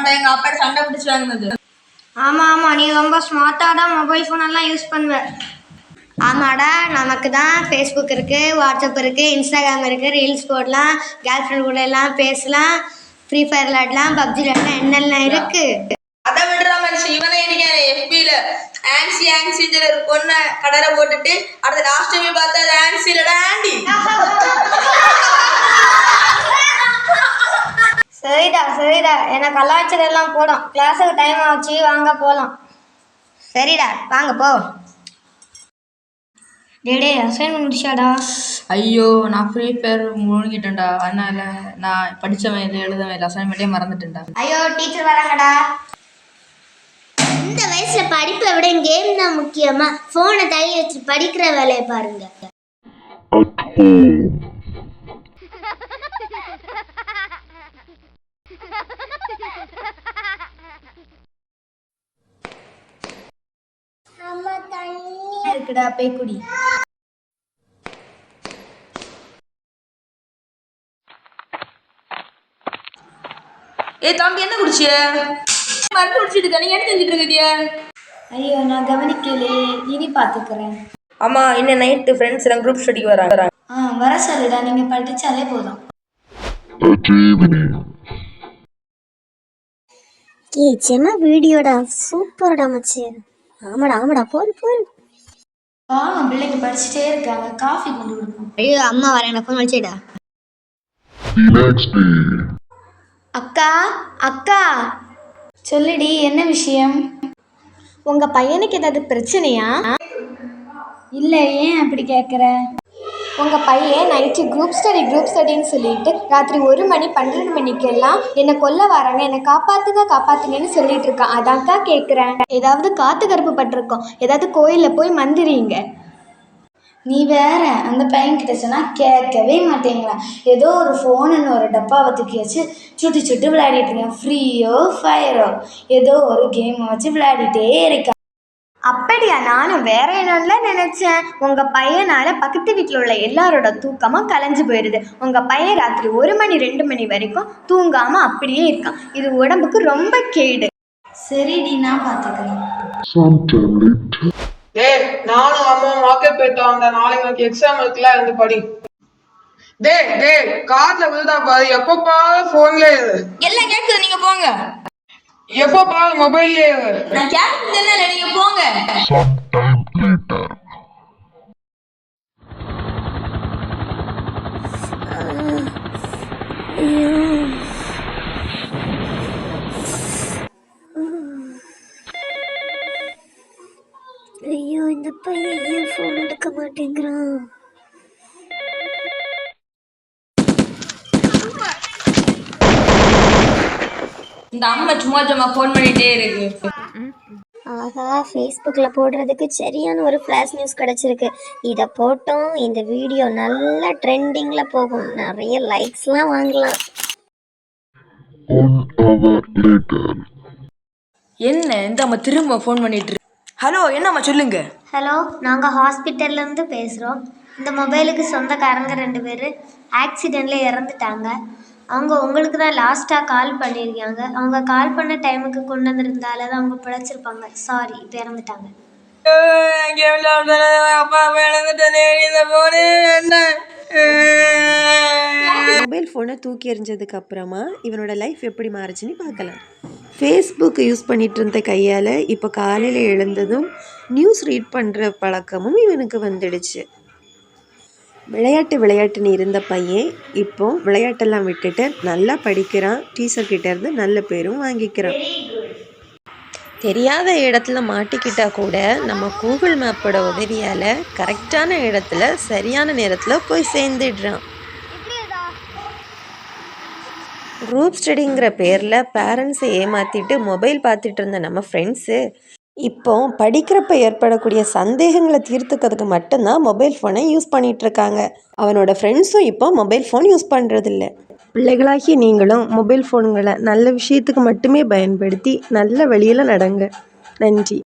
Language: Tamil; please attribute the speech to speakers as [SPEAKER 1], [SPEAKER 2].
[SPEAKER 1] மாட்டேன், எங்க அப்பா சண்டை பிடிச்சி வாங்கினது.
[SPEAKER 2] ஆமாம், நீ ரொம்ப ஸ்மார்ட்டாக தான் மொபைல் ஃபோனெல்லாம் யூஸ் பண்ணுவேன். ஆமாடா, நமக்கு தான் ஃபேஸ்புக் இருக்குது, வாட்ஸ்அப் இருக்குது, இன்ஸ்டாகிராம் இருக்குது, ரீல்ஸ் போடலாம், கேர்ள் ஃப்ரெண்ட் கூட எல்லாம் பேசலாம், ஃப்ரீ ஃபயர் விளாடலாம், பப்ஜி விளாடலாம், என்னெல்லாம் இருக்குது.
[SPEAKER 1] அதை விடுற மனுஷன் இவனே இருக்காரு எஃபில ஆன்சின்னு ஒரு பொண்ணை கடலை போட்டுட்டு அடுத்த லாஸ்ட் டைம் பார்த்தா அது ஆன்சி இல்லடா ஆண்டி.
[SPEAKER 2] சரிடா, எனக்கு கலாச்சாரம் போடும். கிளாஸுக்கு டைம் ஆச்சு, வாங்க போகலாம். சரிடா, வாங்க போ. டேடே, அசைன்மெண்ட் முடிச்சாடா?
[SPEAKER 1] ஐயோ, நான் ஃப்ரீ ஃபயர் முழுங்கிட்டேன்டா. அதனால நான் படித்தவன் இல்லை, எழுதவன் இல்லை, அசைன்மெண்ட்டே மறந்துட்டேன்டா.
[SPEAKER 2] ஐயோ, டீச்சர் வராங்கடா.
[SPEAKER 3] இந்த வயசுல படிப்பை விட கேம் தான் முக்கியமா? போனை தள்ளி வச்சு படிக்கிற வேலையை பாருங்க.
[SPEAKER 2] இருக்குடா, போய் குடி.
[SPEAKER 1] தம்பி என்ன குடிச்சிய? மருந்து குடிச்சிட்டு நீங்க என்ன செஞ்சுட்டு இருக்கீங்க?
[SPEAKER 2] ஐயோ, நான் கவனிக்கலே, இனி பார்த்துக்கிறேன்.
[SPEAKER 1] ஆமா, இன்னும் நைட்டு ஃப்ரெண்ட்ஸ் எல்லாம் குரூப் ஸ்டடிக்கு வராங்க.
[SPEAKER 2] வர சொல்லுடா, நீங்க படிச்சாலே போதும்.
[SPEAKER 3] செம வீடியோடா, சூப்பர்டா மச்சி. ஆமாடா போரு.
[SPEAKER 2] பிள்ளைங்க படிச்சுட்டே இருக்காங்க, காஃபி கொண்டு கொடுப்போம்.
[SPEAKER 3] ஐயோ, அம்மா வரேன், ஃபோன் வச்சுடா.
[SPEAKER 2] அக்கா சொல்லுடி, என்ன விஷயம்? உங்க பையனுக்கு ஏதாவது பிரச்சனையா? இல்லை, ஏன் அப்படி கேட்குற? உங்கள் பையன் நைட்டு குரூப் ஸ்டடின்னு சொல்லிட்டு ராத்திரி 1 மணி 12 மணிக்கெல்லாம் என்னை கொல்ல வராங்க, என்னை காப்பாற்றுங்கன்னு சொல்லிட்டு இருக்கான். அதான்க்கா கேட்குறேன். ஏதாவது காத்து கருப்பு பட்டிருக்கோம், ஏதாவது கோயிலில் போய் மந்திரிங்க. நீ வேற, அந்த பையன்கிட்ட சொன்னால் கேட்கவே மாட்டேங்களா. ஏதோ ஒரு ஃபோனுன்னு ஒரு டப்பாவை தூக்கி வச்சு சுட்டு விளையாடிட்டு இருக்கேன். ஃப்ரீயோ ஃபயரோ ஏதோ ஒரு கேமை வச்சு விளையாடிட்டே இருக்கேன். அப்படியா? நானும் வேற என்னன்னு நினைச்சேன். உங்க பையனால பக்கத்து வீட்டில் உள்ள எல்லாரோட தூக்கமும் கலைஞ்சு போயிடுது. உங்க பையன் ராத்திரி 1 மணி 2 மணி வரைக்கும் தூங்காம அப்படியே இருக்கான். இது உடம்புக்கு ரொம்ப கேடு. சரிடி, நான் பார்த்துக்கிறேன்.
[SPEAKER 4] நானும் அம்மா மார்க்கெட் போயிட்டு வந்தேன். நாளைக்கு எனக்கு எக்ஸாம் இருக்குல்ல, இருந்து படி. கார்ல விழுதா பாரு, எப்பப்பா போன்ல
[SPEAKER 1] எல்லாம் கேக்குது, நீங்க போங்க.
[SPEAKER 4] எப்பப்பா மொபைல்ல
[SPEAKER 1] நான் கேட்கல, நீங்க போங்க.
[SPEAKER 3] ஐயோ, இந்த பையன் ஏன் போன் எடுக்க மாட்டேங்கிறான்?
[SPEAKER 1] இந்த அம்மா சும்மா ஃபோன் பண்ணிட்டே இருக்கு.
[SPEAKER 3] ஆஹா, ஃபேஸ்புக்கில் போடுறதுக்கு சரியான ஒரு ஃப்ளாஷ் நியூஸ் கிடச்சிருக்கு. இதை போட்டோம், இந்த வீடியோ நல்லா ட்ரெண்டிங்கில் போகும், நிறைய லைக்ஸ்லாம் வாங்கலாம்.
[SPEAKER 1] என்ன இந்த அம்மா திரும்ப ஃபோன் பண்ணிட்டு இருக்கு? ஹலோ, என்னம்மா சொல்லுங்க.
[SPEAKER 3] ஹலோ, நாங்கள் ஹாஸ்பிட்டல்லேருந்து பேசுகிறோம். இந்த மொபைலுக்கு சொந்தக்காரங்க 2 பேர் ஆக்சிடெண்ட்டில் இறந்துட்டாங்க. அவங்க உங்களுக்கு தான் லாஸ்ட்டாக கால் பண்ணியிருக்காங்க. அவங்க கால் பண்ண டைமுக்கு கொண்டு வந்திருந்தால தான் அவங்க பிழைச்சிருப்பாங்க. சாரி, இப்போ இறந்துட்டாங்க.
[SPEAKER 5] மொபைல் ஃபோனை தூக்கி எறிஞ்சதுக்கு அப்புறமா இவனோட லைஃப் எப்படி மாறுச்சுன்னு பார்க்கலாம். ஃபேஸ்புக் யூஸ் பண்ணிட்டு இருந்த கையால் இப்போ காலையில் எழுந்ததும் நியூஸ் ரீட் பண்ணுற பழக்கமும் இவனுக்கு வந்துடுச்சு. விளையாட்டுன்னு இருந்த பையன் இப்போ விளையாட்டெல்லாம் விட்டுட்டு நல்லா படிக்கிறான். டீச்சர் கிட்ட இருந்து நல்ல பேரும் வாங்கிக்கிறான். தெரியாத இடத்துல மாட்டிக்கிட்டா கூட நம்ம கூகுள் மேப்போட உதவியால் கரெக்டான இடத்துல சரியான நேரத்தில் போய் சேர்ந்துடுறான். குரூப் ஸ்டடிங்கிற பேரில் பேரண்ட்ஸை ஏமாற்றிட்டு மொபைல் பார்த்துட்டு இருந்த நம்ம ஃப்ரெண்ட்ஸு இப்போ படிக்கிறப்ப ஏற்படக்கூடிய சந்தேகங்களை தீர்த்துக்கிறதுக்கு மட்டும்தான் மொபைல் ஃபோனை யூஸ் பண்ணிகிட்ருக்காங்க. அவனோட ஃப்ரெண்ட்ஸும் இப்போ மொபைல் ஃபோன் யூஸ் பண்ணுறதில்ல. பிள்ளைகளாகி நீங்களும் மொபைல் ஃபோனுங்களை நல்ல விஷயத்துக்கு மட்டுமே பயன்படுத்தி நல்ல வழியில் நடங்க. நன்றி.